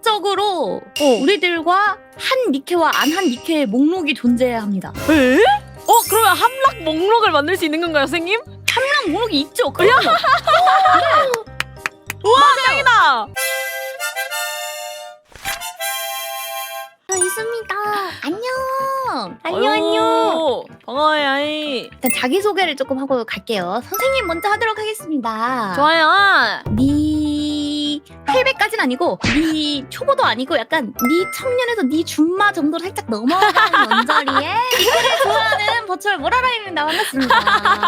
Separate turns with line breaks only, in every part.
공식적으로 우리들과 한 니케와 안 한 니케의 목록이 존재해야 합니다.
에? 그러면 함락 목록을 만들 수 있는 건가요, 선생님?
함락 목록이 있죠. 그럼요.
우와, 짱이다.
저 있습니다.
안녕.
안녕. 반가워요. 아이.
일단 자기소개를 조금 하고 갈게요. 선생님 먼저 하도록 하겠습니다.
좋아요.
니 800까지는 아니고 니 초보도 아니고 약간 니 청년에서 니 준마 정도로 살짝 넘어가는 원저리에 니케를 좋아하는 버추얼 모라라입니다. 반갑습니다.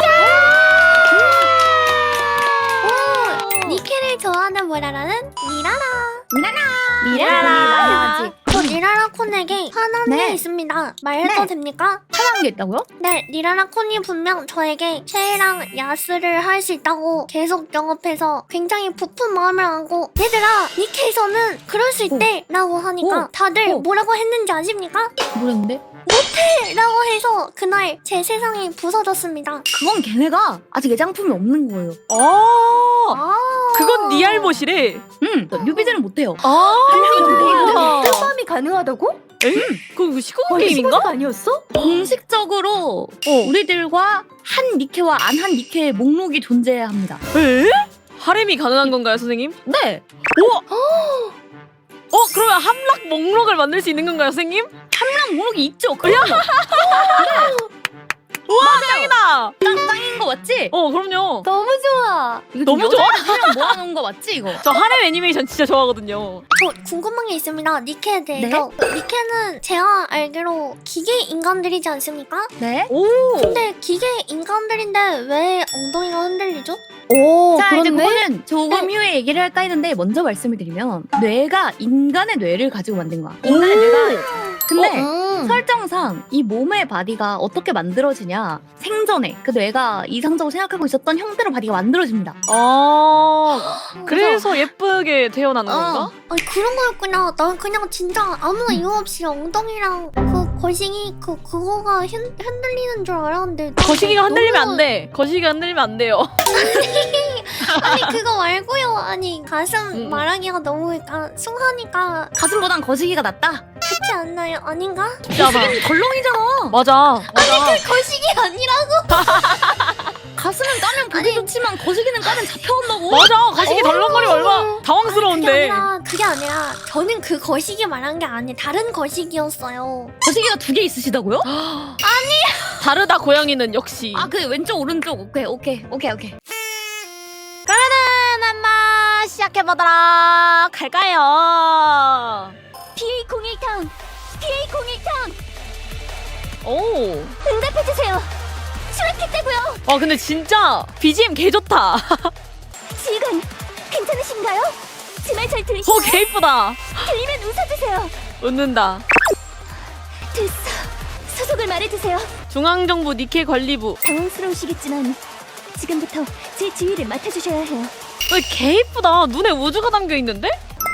니케를 좋아하는 모라라는 미라라.
미라라.
저 리라라 콘에게 화난
네.
게 있습니다. 말해도
네.
됩니까?
화나는 게 있다고요?
네, 리라라 콘이 분명 저에게 쉐이랑 야스를 할 수 있다고 계속 영업해서 굉장히 부푼 마음을 안고 얘들아, 니케에서는 그럴 수 있대 라고 하니까 다들 뭐라고 했는지 아십니까?
모르겠는데?
라고 해서 그날 제 세상이 부서졌습니다.
그건 걔네가 아직 애장품이 없는 거예요.
그건 네 알못이래.
뉴비들은 못해요.
뜰밤이 가능하다고?
그거 시공 게임인가?
아니었어? 공식적으로 우리들과 한 니케와 안 한 니케의 목록이 존재해야 합니다.
에? 하렘이 가능한 건가요, 선생님?
네.
그러면 함락 목록을 만들 수 있는 건가요, 선생님?
함락 목록이 있죠. 그럼요.
우와, 짱이다.
짱인 거 맞지?
그럼요.
너무 좋아.
이거
너무 좋아.
여자애들이랑 모아놓은 거 맞지 이거?
저 하렘 애니메이션 진짜 좋아하거든요.
저 궁금한 게 있습니다. 니케에 대해서. 니케는 제가 알기로 기계 인간들이지 않습니까?
네.
오.
근데 기계 인간들인데 왜 엉덩이가 흔들리죠?
자 이제 그거는 조금 후에 얘기를 할까 했는데 먼저 말씀을 드리면 뇌가 인간의 뇌를 가지고 만든 거야. 인간의 뇌가. 근데 설정상 이 몸의 바디가 어떻게 만들어지냐, 생전에 그 뇌가 이상적으로 생각하고 있었던 형태로 바디가 만들어집니다.
그래서 예쁘게 태어나는 건가?
아니 그런 거였구나. 난 그냥 진짜 아무 이유 없이 엉덩이랑 그 거시기 그거가 흔들리는 줄 알았는데.
거시기가 흔들리면
너무-
안 돼. 거시기가 흔들리면 안 돼요.
아니 그거 말고요. 아니 가슴 말하기가 너무 약간 숭하니까
가슴보단 거시기가 낫다?
그렇지 않나요? 아닌가?
거시기는
덜렁이잖아.
맞아.
거시기 아니라고?
가슴은 까면 보기 좋지만 거시기는 까면 잡혀온다고.
맞아. 거시기 덜렁거리면 얼마나 당황스러운데.
그게 아니라 저는 그 거시기 말한 게 아니라 다른 거시기였어요.
거시기가 2개 있으시다고요?
다르다 고양이는 역시.
아 그 왼쪽 오른쪽. 오케이.
그러면은 한번 시작해보도록 할까요?
PA01타운! PA01타운!
오.
응답해주세요! 수락했다고요!
근데 진짜 BGM 개 좋다.
지금 괜찮으신가요? 제 말 잘 들으시나요?
개 이쁘다.
들리면 웃어주세요!
웃는다.
됐어. 소속을 말해주세요.
중앙정부 니케 관리부.
당황스러우시겠지만 지금부터 제 지휘를 맡아주셔야 해요.
개 이쁘다. 눈에 우주가 담겨 있는데?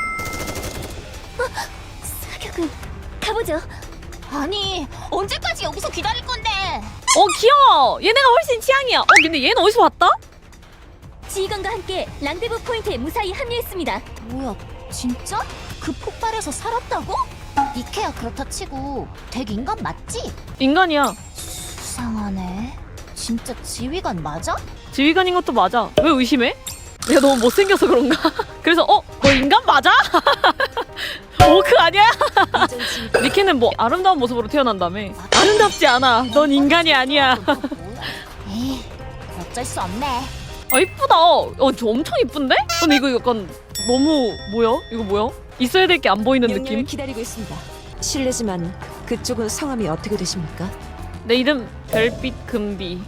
사격은 가보죠. 아니 언제까지 여기서 기다릴 건데?
귀여워. 얘네가 훨씬 취향이야. 근데 얘는 어디서 왔다?
지휘관과 함께 랑데부 포인트에 무사히 합류했습니다. 뭐야, 진짜? 그 폭발에서 살았다고? 니케야 그렇다 치고 덱 인간 맞지?
인간이야.
수상하네. 진짜 지휘관 맞아?
지휘관인 것도 맞아. 왜 의심해? 내가 너무 못생겨서 그런가? 그래서 너 인간 맞아? 오크 아니야? 니케는 뭐 아름다운 모습으로 태어난다며. 아름답지 않아. 넌 인간이 아니야.
에이, 어쩔 수 없네.
이쁘다. 저 엄청 이쁜데? 근데 이거 약간 너무 뭐야? 이거 뭐야? 있어야 될 게 안 보이는
명령을
느낌?
기다리고 있습니다. 실례지만 그쪽은 성함이 어떻게 되십니까?
내 이름 별빛 금비.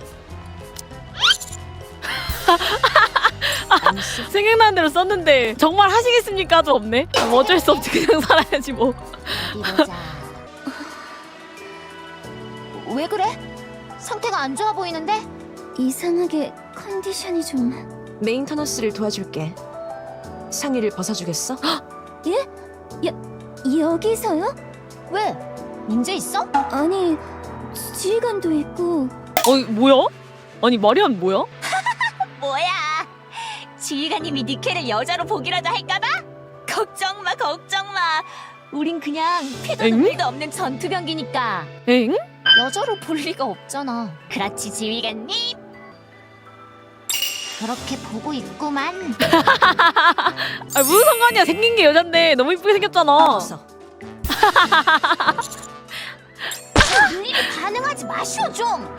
생각나는 대로 썼는데 정말 하시겠습니까?도 없네. 뭐 어쩔 수 없지. 그냥 살아야지 뭐.
왜 그래? 상태가 안 좋아 보이는데? 이상하게 컨디션이 좀...
메인터너스를 도와줄게. 상의를 벗어주겠어?
여기서요? 왜? 문제 있어? 아니, 지휘관도 있고...
뭐야? 아니 마리안 뭐야?
뭐야? 지휘관님이 니케를 여자로 보기라도 할까봐?
걱정 마, 걱정 마. 우린 그냥 피도
엥?
눈물도 없는 전투병기니까.
엥?
여자로 볼 리가 없잖아. 그렇지, 지휘관님. 그렇게 보고 있구만.
아 무슨 상관이야. 생긴 게 여잔데 너무 이쁘게 생겼잖아.
어서.
일일이 반응하지 마시오 좀.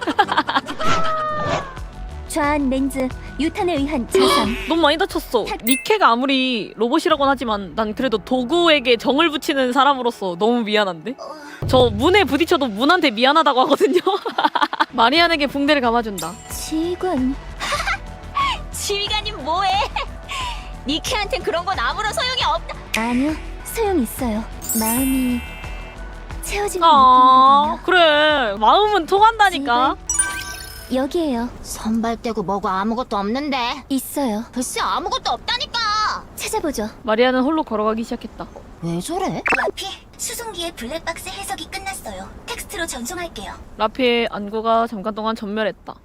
좌한 렌즈, 유탄에 의한 자상.
너무 많이 다쳤어. 니케가 아무리 로봇이라고는 하지만 난 그래도 도구에게 정을 붙이는 사람으로서 너무 미안한데? 저 문에 부딪혀도 문한테 미안하다고 하거든요. 마리안에게 붕대를 감아준다.
지휘관.
지휘관님 뭐해? 니케한텐 그런 건 아무런 소용이 없다.
아니요, 소용 있어요. 마음이 채워지는
아
느낌이거든요.
그래 마음은 통한다니까.
여기에요.
선발 떼고 뭐가 아무것도 없는데.
있어요.
글쎄 아무것도 없다니까.
찾아보죠.
마리안은 홀로 걸어가기 시작했다.
왜 저래?
라피, 수송기의 블랙박스 해석이 끝났어요. 텍스트로 전송할게요.
라피의 안구가 잠깐 동안 전멸했다.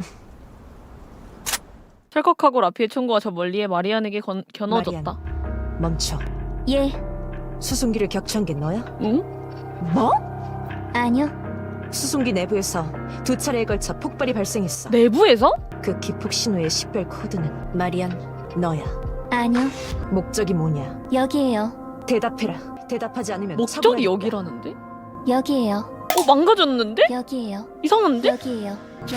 찰컥하고 라피의 총구가 저 멀리에 마리안에게 겨눠졌다.
멈춰.
예,
수송기를 격추한 게 너야?
응?
뭐?
아니요.
수송기 내부에서 2차례에 걸쳐 폭발이 발생했어.
내부에서?
그 기폭 신호의 식별 코드는 마리안 너야.
아니요.
목적이 뭐냐?
여기에요.
대답해라. 대답하지 않으면
목적이
처벌하겠다.
여기라는데?
여기에요.
망가졌는데?
여기에요.
이상한데?
여기에요.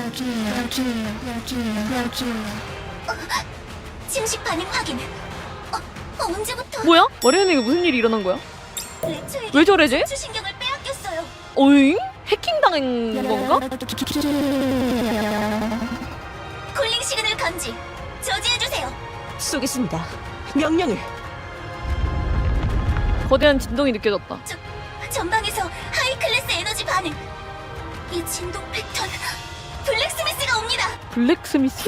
침식 반응 확인. 언제부터
뭐야? 마리안에게 무슨 일이 일어난 거야?
렉처에게
왜 저래 쟤?
추신경을 빼앗겼어요.
어잉? 해킹당한 건가?
콜링 시그널 감지. 저지해주세요.
쏘겠습니다. 명령을.
거대한 진동이 느껴졌다.
전방에서 하이 클래스 에너지 반응. 이 진동 패턴. 블랙스미스가 옵니다.
블랙스미스?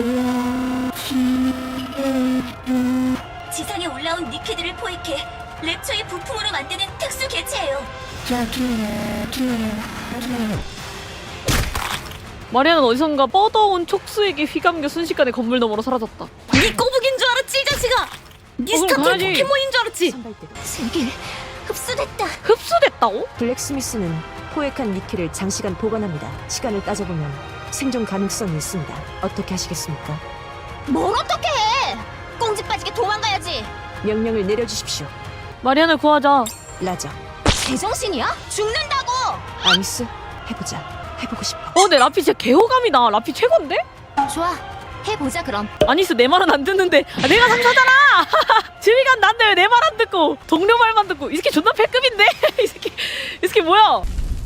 지상에 올라온 니케들을 포획해 랩처의 부품으로 만드는 특수 개체예요.
마리안은 어디선가 뻗어온 촉수에게 휘감겨 순식간에 건물 너머로 사라졌다.
네 꼬북인 줄 알았지 이 자식아. 네
그럼
스타트
가야지.
포켓몬인 줄 알았지.
선발대.
세계 흡수됐다.
흡수됐다고?
블랙스미스는 포획한 니켈을 장시간 보관합니다. 시간을 따져보면 생존 가능성이 있습니다. 어떻게 하시겠습니까?
뭘 어떻게 해? 꽁지 빠지게 도망가야지.
명령을 내려주십시오.
마리안을 구하자.
라저.
제정신이야? 죽는다고.
아미스, 해보자. 해보고 싶어.
근데 라피 진짜 개호감이다. 라피 최고인데?
좋아, 해보자 그럼.
아니스 내 말은 안 듣는데 내가 상사잖아. 지휘관 난데 왜 내 말 안 듣고 동료 말만 듣고. 이 새끼 존나 패급인데? 이 새끼 뭐야?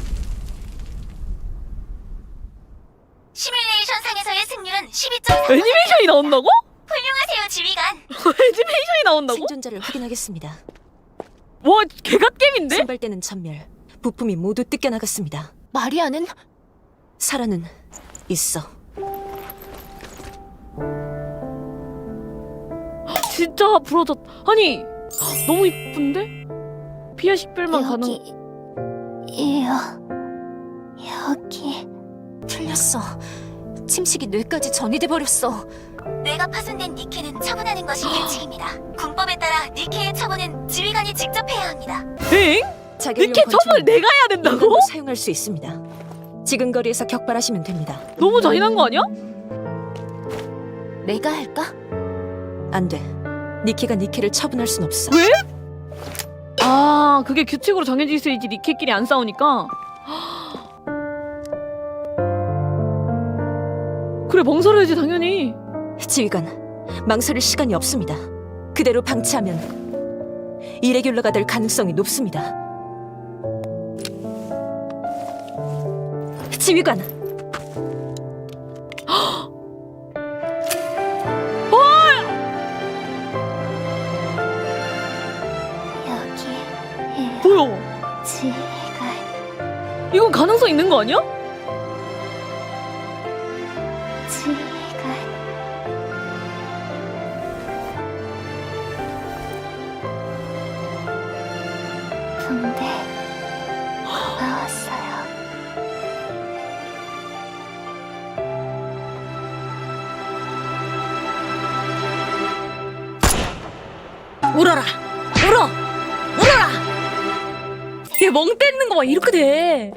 시뮬레이션 상에서의 승률은 12.4%.
애니메이션이 나온다고?
훌륭하세요, 지휘관.
애니메이션이 나온다고?
생존자를 확인하겠습니다.
와 개갓겜인데?
선발대는 전멸. 부품이 모두 뜯겨나갔습니다.
마리아는?
사라는 있어.
진짜 부러졌. 아니 너무 이쁜데? 피아 식별만 가능.
여기에요. 여기.
틀렸어. 침식이 뇌까지 전이돼 버렸어.
뇌가 파손된 니케는 처분하는 것이 규칙입니다. 군법에 따라 니케의 처분은 지휘관이 직접 해야 합니다.
엥?
자결용
니케 처벌
권총은
내가 해야 된다고?
인간도 사용할 수 있습니다. 지근거리에서 격발하시면 됩니다.
너무 잔인한 거 아니야?
내가 할까?
안 돼. 니케가 니케를 처분할 순 없어.
왜? 아 그게 규칙으로 정해져 있어야지 니케끼리 안 싸우니까. 그래 망설여야지 당연히.
지휘관, 망설일 시간이 없습니다. 그대로 방치하면 이레귤러가 될 가능성이 높습니다. 지휘관,
여기에요.
뭐야?
지휘관.
이건 가능성 있는 거 아니야?
지휘관. 붕대 고마웠어요.
울어라. 얘 멍 때리는 거 막 이렇게 돼.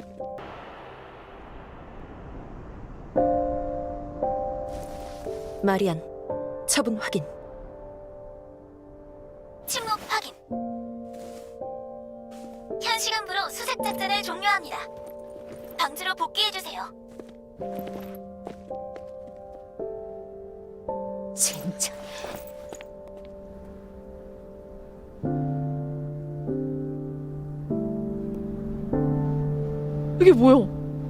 마리안, 처분 확인.
침묵 확인. 현 시간부로 수색 작전을 종료합니다. 방지로 복귀해주세요.
진짜.
이게 뭐야?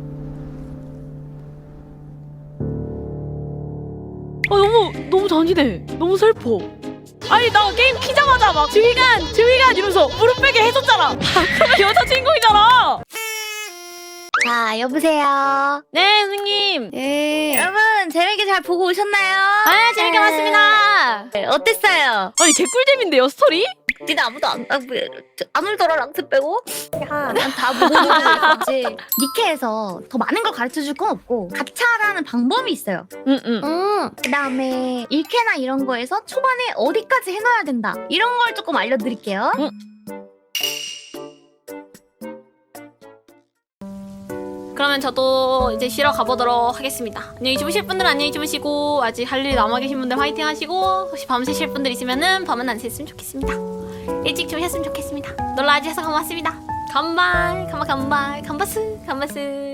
아 너무 잔인해. 너무 슬퍼. 아니 나 게임 키자마자 막 주의관 이러면서 무릎 베게 해줬잖아. 아, 그러면 여자 주인공이잖아.
자, 여보세요.
네 선생님.
네.
여러분 재밌게 잘 보고 오셨나요?
아 재밌게 봤습니다.
네, 어땠어요?
아니 개꿀잼인데요 스토리?
니네 아무도 안 울더라 랑스 빼고?
야,
난 다 보고 있지. 니케에서 더 많은 걸 가르쳐 줄 건 없고 가차라는 방법이 있어요.
응응.
그 다음에 1캐나 이런 거에서 초반에 어디까지 해놔야 된다 이런 걸 조금 알려드릴게요.
그러면 저도 이제 쉬러 가보도록 하겠습니다. 안녕히 주무실 분들은 안녕히 주무시고 아직 할 일 남아 계신 분들 화이팅 하시고 혹시 밤 새실 분들 있으면은 밤은 안 샜으면 좋겠습니다. 일찍 주무셨으면 좋겠습니다. 놀러와주셔서 고맙습니다. 간발 간바스